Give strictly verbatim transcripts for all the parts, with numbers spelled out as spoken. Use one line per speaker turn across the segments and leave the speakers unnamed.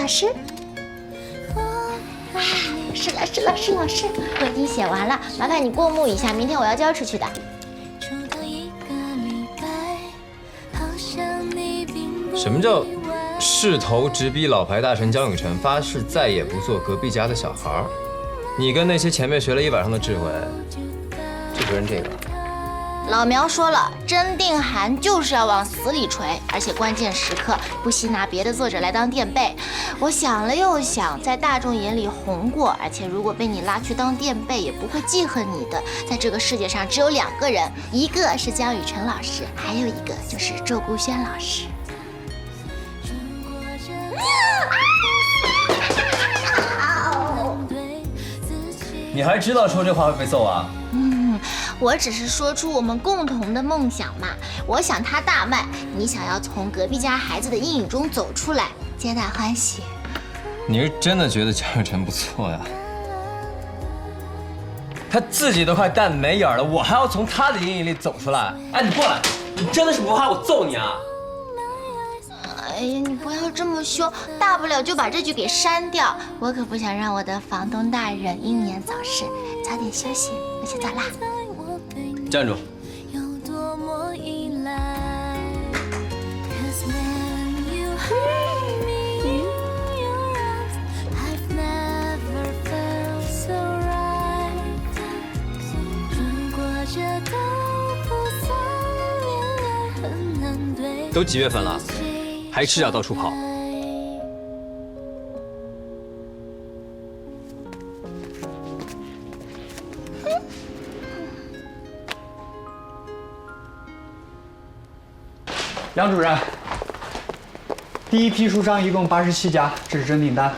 老师。哎，是老师，老师，老师，我已经写完了，麻烦你过目一下，明天我要交出去的。
什么叫势头直逼老牌大神江永成，发誓再也不做隔壁家的小孩儿？你跟那些前辈学了一晚上的智慧，就不认这个。
老苗说了，甄定涵就是要往死里锤，而且关键时刻不惜拿别的作者来当垫背。我想了又想，在大众眼里红过，而且如果被你拉去当垫背，也不会记恨你的。在这个世界上只有两个人，一个是江雨晨老师，还有一个就是周顾轩老师。
你还知道说这话会被揍啊？
嗯，我只是说出我们共同的梦想嘛。我想他大卖，你想要从隔壁家孩子的阴影中走出来，皆大欢喜。
你是真的觉得江雨晨不错呀？他自己都快蛋没眼了，我还要从他的阴影里走出来？哎，你过来！你真的是不怕我揍你啊？
哎呀，你不要这么凶，大不了就把这句给删掉。我可不想让我的房东大人英年早逝，早点休息，我先走啦。
站住！都几月份了，还赤脚到处跑？
杨主任，第一批书商一共八十七家，这是征订单。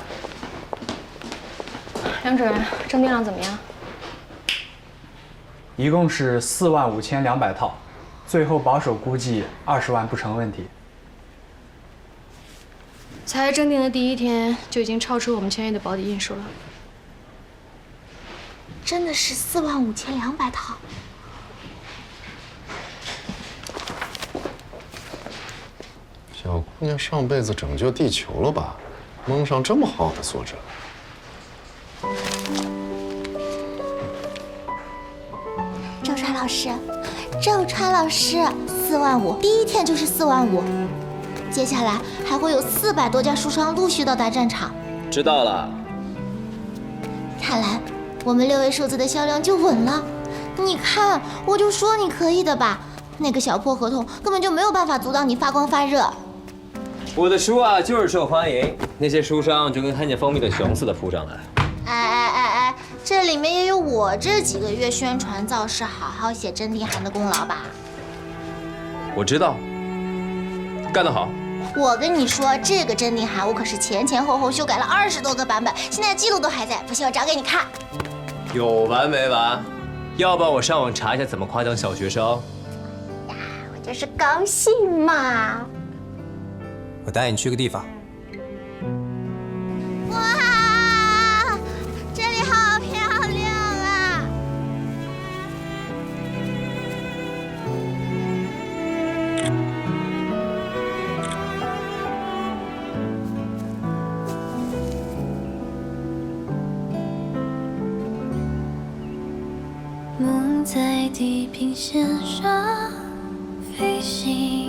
杨主任，征订量怎么样？
一共是四万五千两百套，最后保守估计二十万不成问题。
才征订的第一天就已经超出我们签约的保底印数了。
真的是四万五千两百套。
小姑娘上辈子拯救地球了吧？蒙上这么好的作者。
周川老师，周川老师，四万五，第一天就是四万五，接下来还会有四百多家书商陆续到达战场。
知道了。
看来我们六位数字的销量就稳了。你看，我就说你可以的吧。那个小破合同根本就没有办法阻挡你发光发热。
我的书啊，就是受欢迎，那些书商就跟看见蜂蜜的熊似的扑上来。
哎哎哎哎，这里面也有我这几个月宣传造势、好好写甄定涵的功劳吧？
我知道，干得好。
我跟你说，这个甄定涵我可是前前后后修改了二十多个版本，现在记录都还在，不信我找给你看。
有完没完？要不然我上网查一下怎么夸奖小学生。
呀，我就是高兴嘛。
我带你去个地方。
哇，这里好漂亮啊！
梦在地平线上飞行，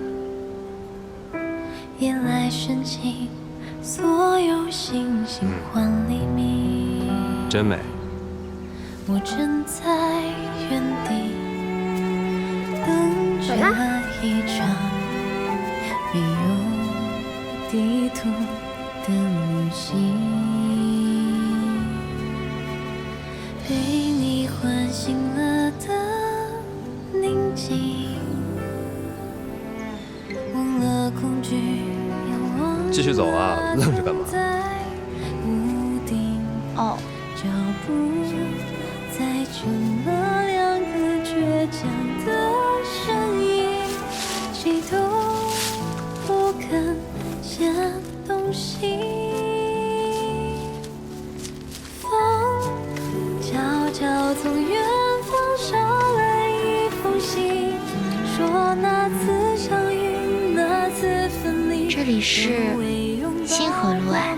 夜来深情，所有星星换黎明。
真美。
我正在原地等着一场没有地图的旅行，被你唤醒了的宁静，忘了恐惧，仰望
继续走啊，愣着干嘛？
哦，
脚步载成了两个倔强的身影，谁都不肯先动心。风悄悄从远方捎来一封信，说那次相遇，那次分离。
这里是星河路哎。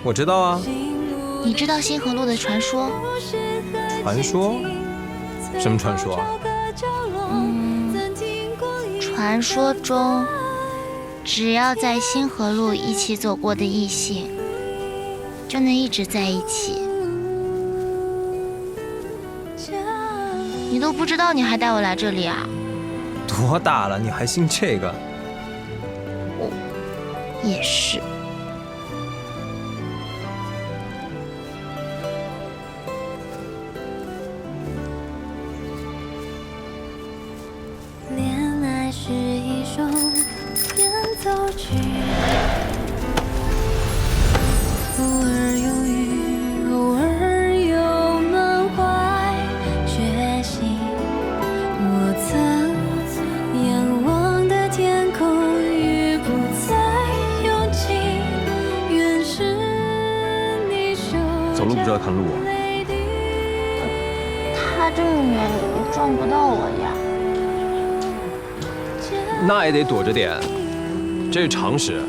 我知道啊。
你知道星河路的传说？
传说？什么传说啊？
嗯，传说中，只要在星河路一起走过的异性，就能一直在一起。你都不知道，你还带我来这里啊？
多大了，你还信这个？
也是。
恋爱是一首变奏曲，偶尔忧郁，偶尔又满怀决心。我曾仰望的天空已不再拥挤，原是你手
走路不知道看路啊？
他这么远，你撞不到我呀。
那也得躲着点，这是常识。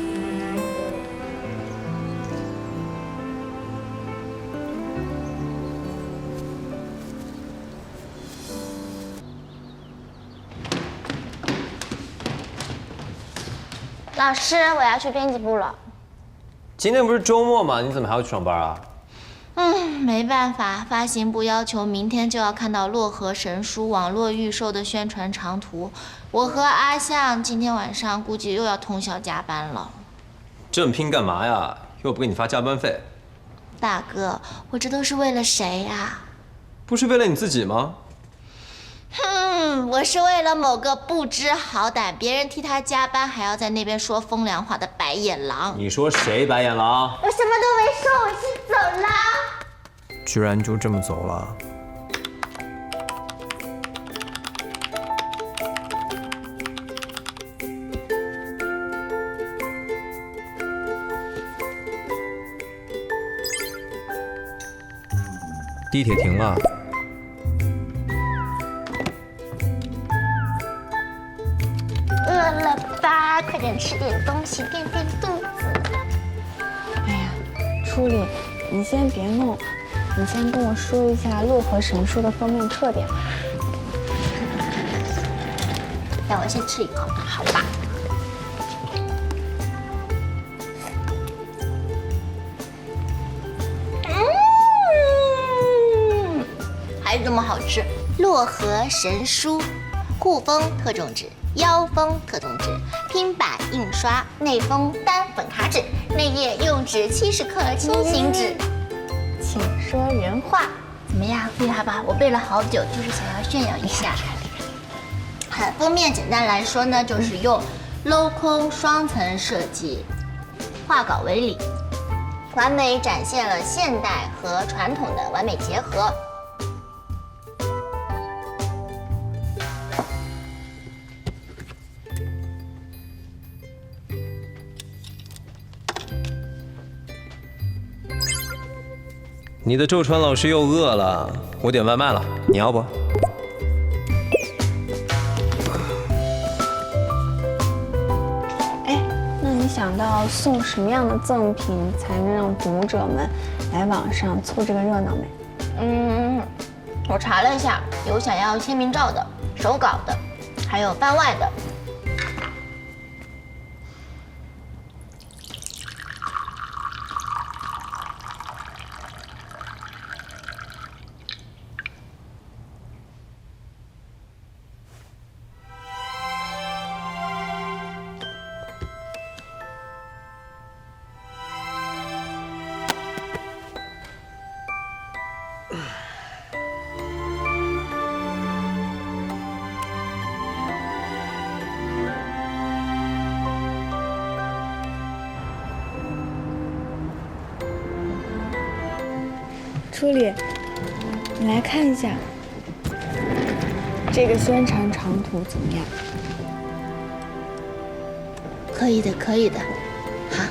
老师，我要去编辑部了。
今天不是周末吗？你怎么还要去上班啊？
嗯，没办法，发行部要求明天就要看到洛河神书网络预售的宣传长图。我和阿向今天晚上估计又要通宵加班了。
这么拼干嘛呀？又不给你发加班费。
大哥，我这都是为了谁呀？
不是为了你自己吗？
哼，我是为了某个不知好歹，别人替他加班还要在那边说风凉话的白眼狼。
你说谁白眼狼？
我什么都没说，我先走了。
居然就这么走了？地铁停了。
饿了吧？快点吃点东西垫垫肚子。
哎呀，初里，你先别弄，你先跟我说一下洛河神书的封面特点吧。
让我先吃一口，好吧？嗯，还是这么好吃。洛河神书，护封特种纸。腰封特种纸，拼版印刷，内封单粉卡纸，内页用纸七十克轻型纸。
请说原话。
怎么样，厉害吧？我背了好久，就是想要炫耀一下。好，封面简单来说呢，就是用镂空双层设计，画稿为里，完美展现了现代和传统的完美结合。
你的周川老师又饿了，我点外卖了，你要不？
哎，那你想到送什么样的赠品才能让读者们来网上凑这个热闹没？
嗯，我查了一下，有想要签名照的、手稿的，还有番外的。
初里，你来看一下这个宣传长图怎么样？
可以的，可以的。好。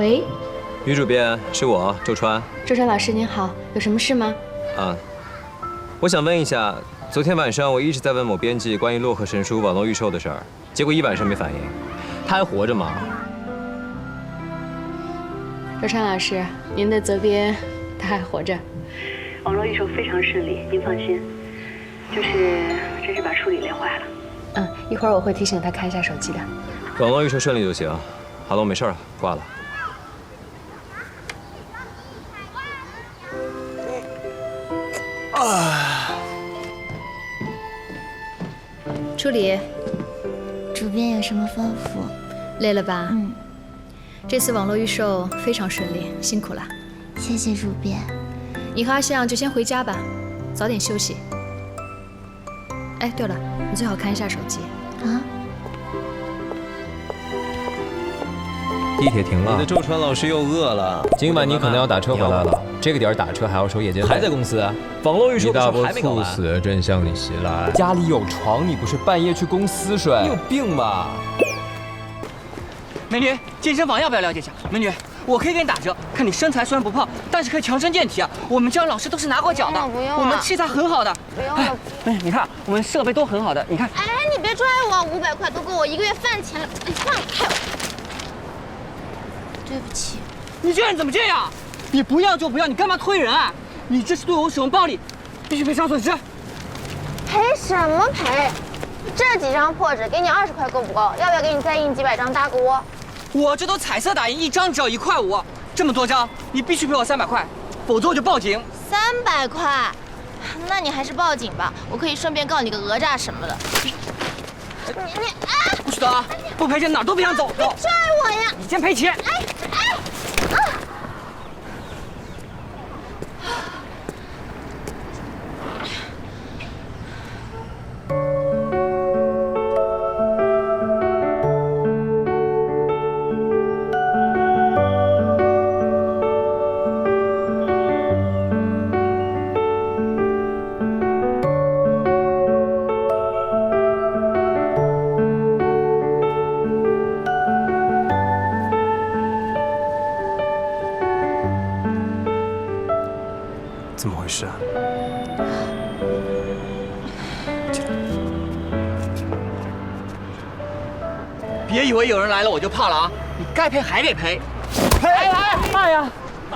喂，
女主编是我周川。
周川老师您好，有什么事吗？
啊，我想问一下，昨天晚上我一直在问某编辑关于洛克神书网络预售的事儿，结果一晚上没反应。他还活着吗？
周川老师，您的责编他还活着。
网络预售非常顺利，您放心。就是真是把处理累坏了。
嗯，一会儿我会提醒他看一下手机的。
网络预售顺利就行。好了，我没事了，挂了。
啊！助理，
主编有什么吩咐？
累了吧？
嗯，
这次网络预售非常顺利，辛苦了。
谢谢主编。
你和阿向就先回家吧，早点休息。哎，对了，你最好看一下手机
啊。
地铁停了，你的周川老师又饿了。今晚你可能要打车回来了。这个点打车还要收夜间费。还在公司？网络预售的时候还没搞完。猝死正向你袭来，家里有床，你不是半夜去公司睡？你有病吧？
美女，健身房要不要了解一下？美女，我可以给你打折，看你身材虽然不胖，但是可以强身健体啊。我们教老师都是拿过奖的，
不用了，
我们器材很好的。
不用了。
哎，你看我们设备都很好的，你看。
哎，你别拽我，五百块都够我一个月饭钱了。哎，放开我！对不起。
你这人怎么这样？你不要就不要，你干嘛推人啊？你这是对我使用暴力，必须赔偿损失。
赔什么赔？这几张破纸给你二十块够不够？要不要给你再印几百张搭个窝？
我这都彩色打印，一张只要一块五，这么多张，你必须赔我三百块，否则我就报警。
三百块？那你还是报警吧，我可以顺便告你个讹诈什么的。你你啊！
不许走啊！不赔钱哪儿都别想走。
别拽我呀！
你先赔钱。
哎哎啊！
怎么回事啊？
别以为有人来了我就怕了啊！你该赔还得赔。赔！哎哎呀！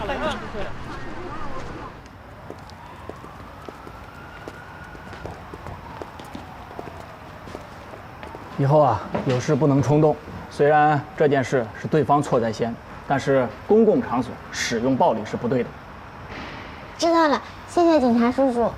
以后啊，有事不能冲动。虽然这件事是对方错在先，但是公共场所使用暴力是不对的。
知道了，谢谢警察叔叔。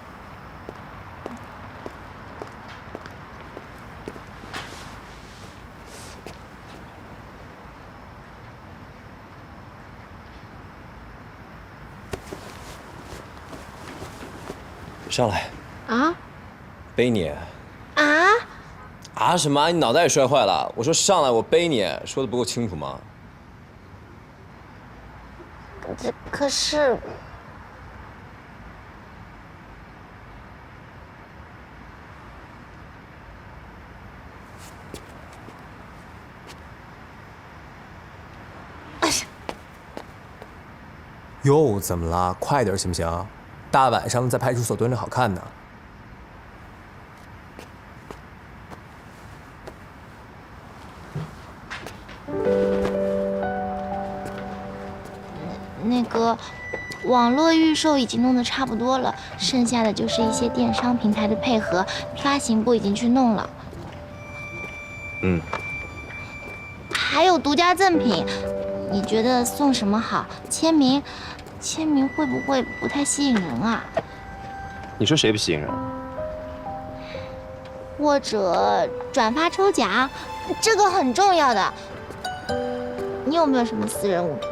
上来
啊！
背你。
啊！
啊什么？你脑袋也摔坏了？我说上来，我背你，说的不够清楚吗？
这可是。
又怎么了？快点行不行？大晚上在派出所蹲着好看呢。
那个，网络预售已经弄得差不多了，剩下的就是一些电商平台的配合，发行部已经去弄了。
嗯。
还有独家赠品，你觉得送什么好？签名，签名会不会不太吸引人啊？
你说谁不吸引人？
或者转发抽奖，这个很重要的。你有没有什么私人物品？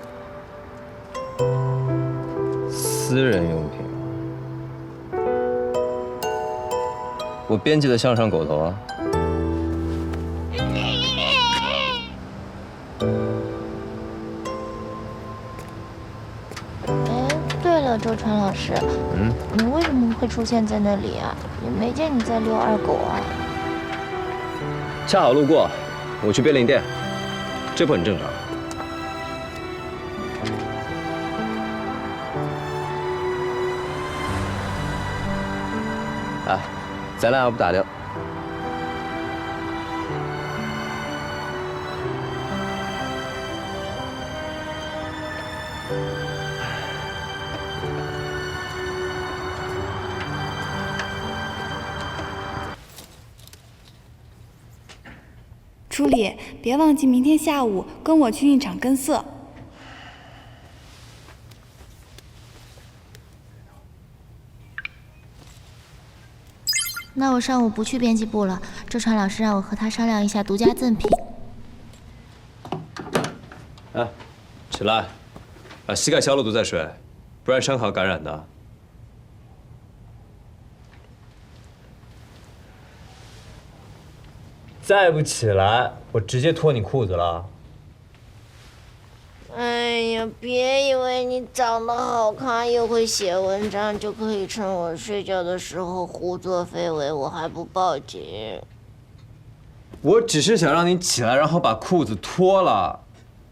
私人用品，我编辑的向上狗头啊。
哎，对了，周川老师，嗯，你为什么会出现在那里啊？也没见你在遛二狗啊。
恰好路过，我去便利店，这不很正常？ 咱俩要不打掉。
初里，别忘记明天下午跟我去印厂跟色。
那我上午不去编辑部了，周传老师让我和他商量一下独家赠品。
哎，起来，把膝盖消了毒再睡，不然伤口感染的。再不起来，我直接脱你裤子了。
哎呀，别以为你长得好看又会写文章，就可以趁我睡觉的时候胡作非为，我还不报警。
我只是想让你起来，然后把裤子脱了。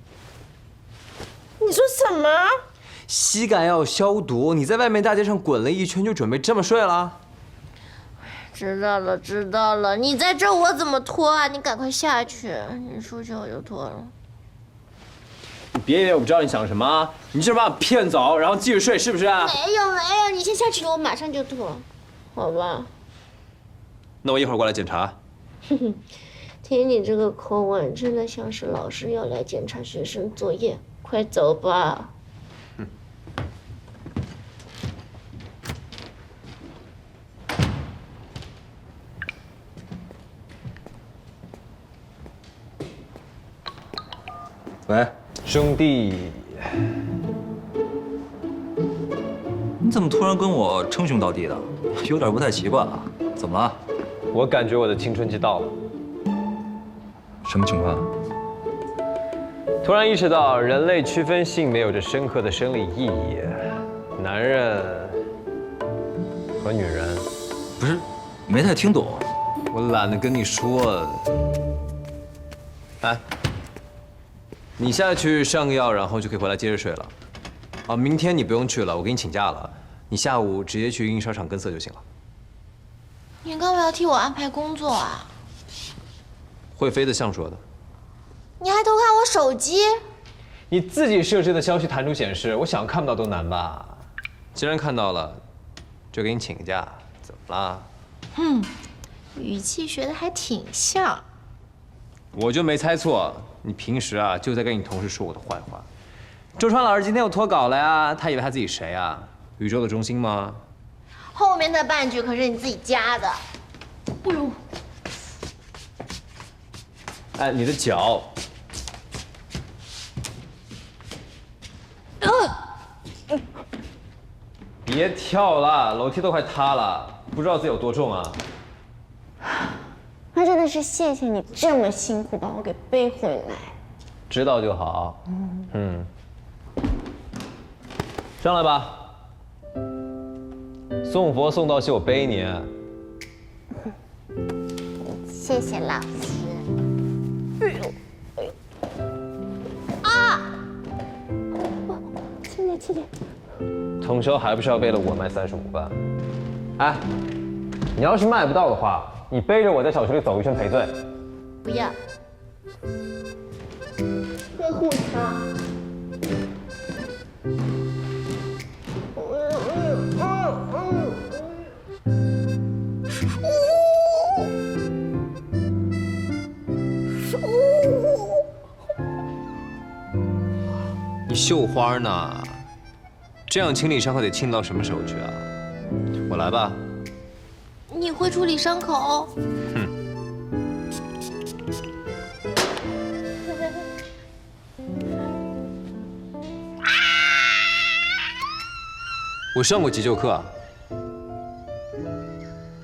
你说什么？
膝盖要消毒，你在外面大街上滚了一圈，就准备这么睡了？
知道了，知道了。你在这我怎么脱啊？你赶快下去，你出去我就脱了。
你别以为我不知道你想什么，你就是把我骗走，然后继续睡，是不是？
没有没有，你先下去，我马上就脱，好吧？
那我一会儿过来检查。
哼哼，听你这个口吻，真的像是老师要来检查学生作业。快走吧。
嗯。喂，兄弟。
你怎么突然跟我称兄道弟的？有点不太习惯啊。怎么了？
我感觉我的青春期到了。
什么情况？
突然意识到，人类区分性别有着深刻的生理意义。男人和女人，
不是，没太听懂。
我懒得跟你说。哎，你现在去上个药，然后就可以回来接着睡了。啊，明天你不用去了，我给你请假了。你下午直接去印刷厂跟色就行了。
你干嘛要替我安排工作啊？
会飞的象说的。
你还偷看我手机？
你自己设置的消息弹出显示，我想看不到都难吧？既然看到了，就给你请个假，怎么啦？
哼，语气学的还挺像。
我就没猜错，你平时啊就在跟你同事说我的坏话。周川老师今天又脱稿了呀，他以为他自己谁啊？宇宙的中心吗？
后面的半句可是你自己加的。哎呦！
哎，你的脚。
呃、
别跳了，楼梯都快塌了，不知道自己有多重啊。
那真的是谢谢你这么辛苦把我给背回来。
知道就好。嗯嗯。上来吧。送佛送到西，我背你。
谢谢老师。哎呦哎呦！啊！轻点轻点。
统筹还不是要为了我卖三十五万？哎，你要是卖不到的话，你背着我在小区里走一圈赔罪。
不要。呵护他。
你绣花呢？这样清理伤口得清到什么时候去啊？我来吧。
你会处理伤口？
哼。我上过急救课啊。